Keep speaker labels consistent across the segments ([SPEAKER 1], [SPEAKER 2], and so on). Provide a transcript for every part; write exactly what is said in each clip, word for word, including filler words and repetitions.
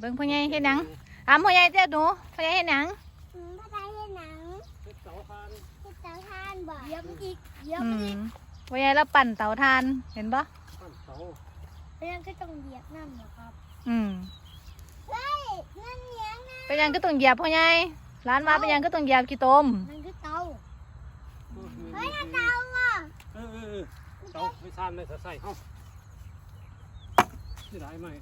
[SPEAKER 1] บิ่งพ่อใหญ่เฮ็ดหยังถามพ่อใหญ่เจ้าหนูพ่อใหญ่เฮ็ดหยัง
[SPEAKER 2] อืมพ่อใหญ่เฮ็ดหนัง
[SPEAKER 3] เฮ็ดเสาคาน
[SPEAKER 2] เฮ็ดเตาถ่านบ่เยี่ยมอีกเยี่ยม
[SPEAKER 1] อื
[SPEAKER 2] อี
[SPEAKER 1] ม
[SPEAKER 2] ก
[SPEAKER 1] พ่อใหญ่แล้วปั่นเตาถ่านเห็นปะ
[SPEAKER 3] ปั้นเสา
[SPEAKER 2] เป็นยังก็ต้องเหยียบน้ำเหรอครับ
[SPEAKER 1] อืม
[SPEAKER 2] เฮ้ยนั่นเลี้ยงนะ
[SPEAKER 1] เป็นหยังก็ต้องเหยียบพ่อใหญ่ร้านมาเป็นหยังก็ต้องเหยียบขี้ตม
[SPEAKER 2] มันคือเตา
[SPEAKER 3] เฮ้
[SPEAKER 2] เฮ้
[SPEAKER 3] ย
[SPEAKER 2] ยนั่นเตาอ่ะ
[SPEAKER 3] เออเออเออเสาไม่ซ่านเลยใส่เฮาสิได้ไหม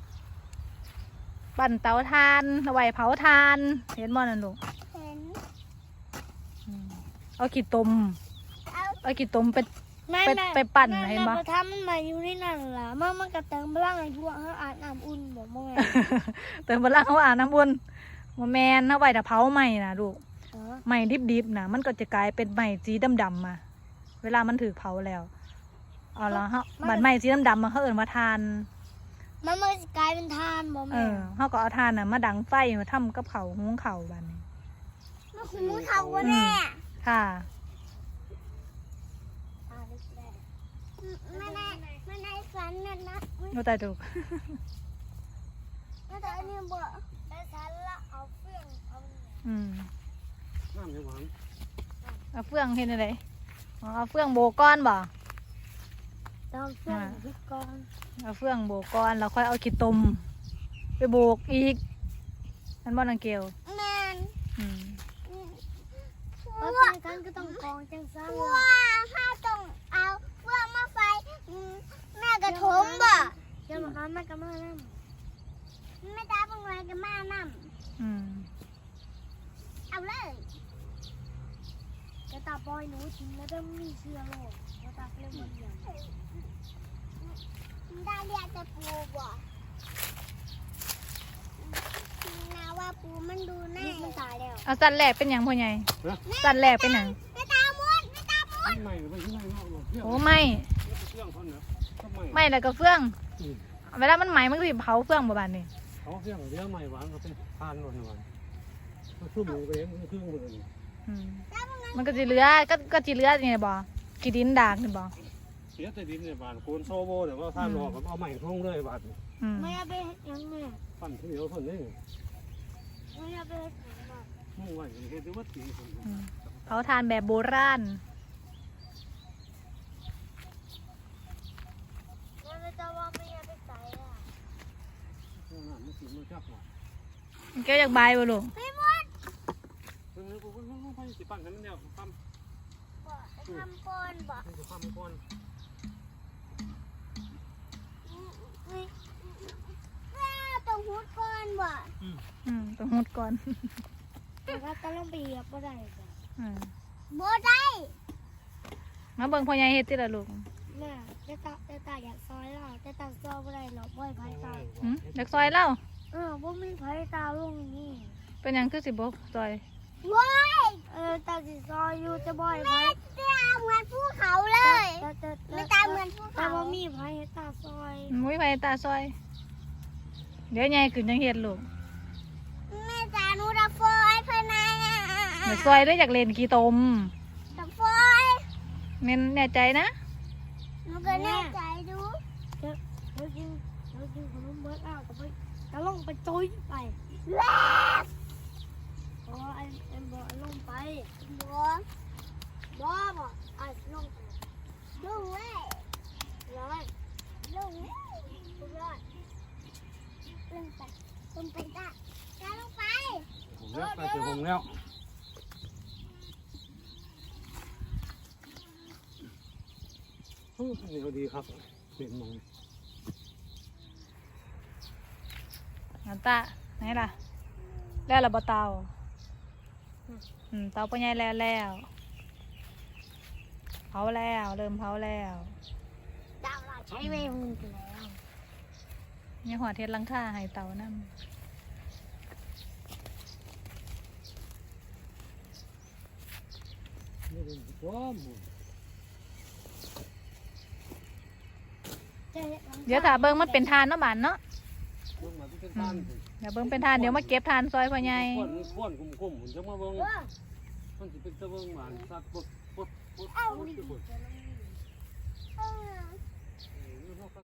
[SPEAKER 1] ปั่นเตาถ่านเอาไว้เผาถ่านเห็นบ่นั่นลูก
[SPEAKER 2] เห็น
[SPEAKER 1] อืมเอาขี้ตม
[SPEAKER 2] เอา
[SPEAKER 1] เอาขี้ตมไป
[SPEAKER 2] ไม่
[SPEAKER 1] ไป
[SPEAKER 2] ไม่
[SPEAKER 1] ไปปั่น
[SPEAKER 2] แม่
[SPEAKER 1] เห็นปะ
[SPEAKER 2] แม่ทำมันมาอยู่ที่นั่นล่ะมันมันก็เติมพลังให้พวกเขาอาบน้ำอุ่นบอกมึงไง
[SPEAKER 1] เติมพลังเขาอ่านน้ำวนมาแมนเอาไว้ถ้าเผาใหม่นะลูก
[SPEAKER 2] เออ
[SPEAKER 1] ใหม่ดิบๆนะมันก็จะกลายเป็นใหม่สีดำๆมา เวลามันถือเผาแล้วเอาละฮะบัดใหม่สีดำๆมาเขาเอิ้นว่าทาน
[SPEAKER 2] มันมันจะกลายเป็นทานบอก
[SPEAKER 1] เอ
[SPEAKER 2] แม่
[SPEAKER 1] อเขาก็เอาทานน่ะมาดังไฟมาทำกับเขาวหุงเขาวบัดนี้
[SPEAKER 2] มันคุ้มเขาวะแม่
[SPEAKER 1] ค่ะ
[SPEAKER 2] ไม่ได้ไม่ได้ฝันนั่นนะ
[SPEAKER 1] โนตาถูก
[SPEAKER 2] ไม่ได้อันนี้บอกได้ฉันละเอาเฟื่องเอา
[SPEAKER 1] อืม
[SPEAKER 3] น้ำยังหวาน
[SPEAKER 1] เอาเฟื่องเห็นอะไรอ๋อเอาเฟื่องโบก้อนบ่
[SPEAKER 2] เอาเฟื่องพิกร
[SPEAKER 1] เอาเฟื่องโบก้อนแล้วค่อยเอาขี้ตมไปโบกอีกนั่นบ่นังเกล
[SPEAKER 2] แมน
[SPEAKER 1] อืม
[SPEAKER 2] ว่าเป็นกันก็ต้องกองจังซ่าว่าถ้าต้องเอาเฟื่องมาไฟแม่กระทมบ่เดี๋ยวมันแม่ก็มานั่งแม่ตาเป็นไงก็มานั่ง
[SPEAKER 1] อืม
[SPEAKER 2] เอาเลยกระตาปอยหนูทิ้งแล้วเริ่มมีเชื้อโรคกระตาเริ่มมันใหญ่ได้เรียกจะปูบ่นาว่าปูมันดูแน่มันตายแล้ว
[SPEAKER 1] เอาสันแหลกเป็นหยังพ่อใหญ่สันแหลกเป็นหยัง
[SPEAKER 2] ไม่ตามุดไม่ตามุด
[SPEAKER 3] ไม่ไม่ไม่ไม่ไม่เที่ยง
[SPEAKER 1] โอ้ไม่
[SPEAKER 3] เที่ยงคนเนาะก็ไม่
[SPEAKER 1] ไม่แล้วก็เฟื่องเวลามันไหม้มันก็สิเผาเฟื่องบ่บานนี่
[SPEAKER 3] เขาเที่ยงเดี๋ยวไม่หวานก็เป็นทานหวานหวานมันคือหมูไปเองมันคือหมูเลย
[SPEAKER 1] อืมมันก็สิเหลือก็ก็สิเหลือนี่บ่กี่ดินดากนี่บ่
[SPEAKER 3] เสียแต่ดินเนี่ยบานโกนโซโบเดี๋ยวว่าทานหอกเอาใหม่ทุ่งเลยบาด
[SPEAKER 1] อืม
[SPEAKER 2] ไม่เอาไปยังไง
[SPEAKER 3] ปั้นที่เดียวคนนี้
[SPEAKER 2] ไม่เอาไป
[SPEAKER 3] มุ่งไว้เห็นว่าตีคน
[SPEAKER 1] อืมเผาทานแบบโบราณ
[SPEAKER 2] แล้วจะว่าไม่เอาไปใส่อ่ะ
[SPEAKER 3] นั่นมันสีมันจับหน่อย
[SPEAKER 1] เกี่ยวจากใบายบ่ลูก
[SPEAKER 2] ไม่หมด
[SPEAKER 3] เออกูกูกูไปสิปั้นให้มันเดียวปั้ม
[SPEAKER 2] บ่ทำก้อนบ่
[SPEAKER 3] กูปั้มก้อน
[SPEAKER 2] ต้องหุดก้อนบ่
[SPEAKER 1] อืมต้องหุดก่อน
[SPEAKER 2] แต่ว่าต้องลงไปเหยียบบ่ได้จ้ะ
[SPEAKER 1] อืม
[SPEAKER 2] บ่ได้
[SPEAKER 1] มาเบิ่งพ่อใหญ่เฮ็ดติล่ะลูก
[SPEAKER 2] แม่แต่ตาแต่ตาอยากซอยเราแต่ตาซอยบ่ได้หรอกบ่ให้ไผตา
[SPEAKER 1] หืมอยากซอยเล่า
[SPEAKER 2] เออบ่มีไผตาลงนี่
[SPEAKER 1] เป็นหยังคือสิบ่ซอย
[SPEAKER 2] ว้ายเออตาสิซอยอยู่จะบ่อยไหมตาเหมือนภูเขาเลยไม่ตาเหมือนภูเขาแต่ว่ามีไผให้ตาซอย
[SPEAKER 1] มุ้ยไปตาซอย เดี๋ยวใหญ่ขึ้นจังเฮ็ดลูก
[SPEAKER 2] แม่ตาหนูจะฟอยภายใน
[SPEAKER 1] อยากซอยหรืออยากเล่นขี้ตม
[SPEAKER 2] จะฟอย
[SPEAKER 1] แม่นแน่ใจนะ
[SPEAKER 2] หนูก็แน่ใจดูเดี๋ยวเดี๋ยวกินเดี๋ยวกินขนมเบิร์ดเอาก็ไปจะลงไปจุยไปแล้วเพราะว่าไอ้ไอ้บ่ลงไปบ่บ่บ่ไอ้ลงไปลงเลยร้อยลงเลยร้อยลงไปลงไปจ้าจ้าลงไป
[SPEAKER 3] ผมแล้วไปถึงผมแล้วเหนียวดีครับเปลี่ยนมอง
[SPEAKER 1] น้ำตาไหนล่ะ แล้วล่ะบ่เตาอืมเตาพ่อใหญ่แล้วแล้วเผาแล้วเริ่มเผาแล้ว
[SPEAKER 2] ดาวเราใช้เวมึงกันแล้ว
[SPEAKER 1] มีหัวเทศลังค่าให้เตานั่น
[SPEAKER 3] นี่เป็นตัวหมู
[SPEAKER 1] เดี๋ยวถ้าเบิ่งมันเป็นทานเนาะบานเนาะ
[SPEAKER 3] ลงมาที่เป็นทาน
[SPEAKER 1] เดี๋ยวเบิ่งเป็นทานเดี๋ยวมาเก็บทานซอยพ่อใหญ่
[SPEAKER 3] ก้อนก้อนกุ้มๆผมจะมาเบิ่งมันจะเป็นตะเบิ่งหวานสักปุ๊บปุ๊บปุ๊บปุ๊บ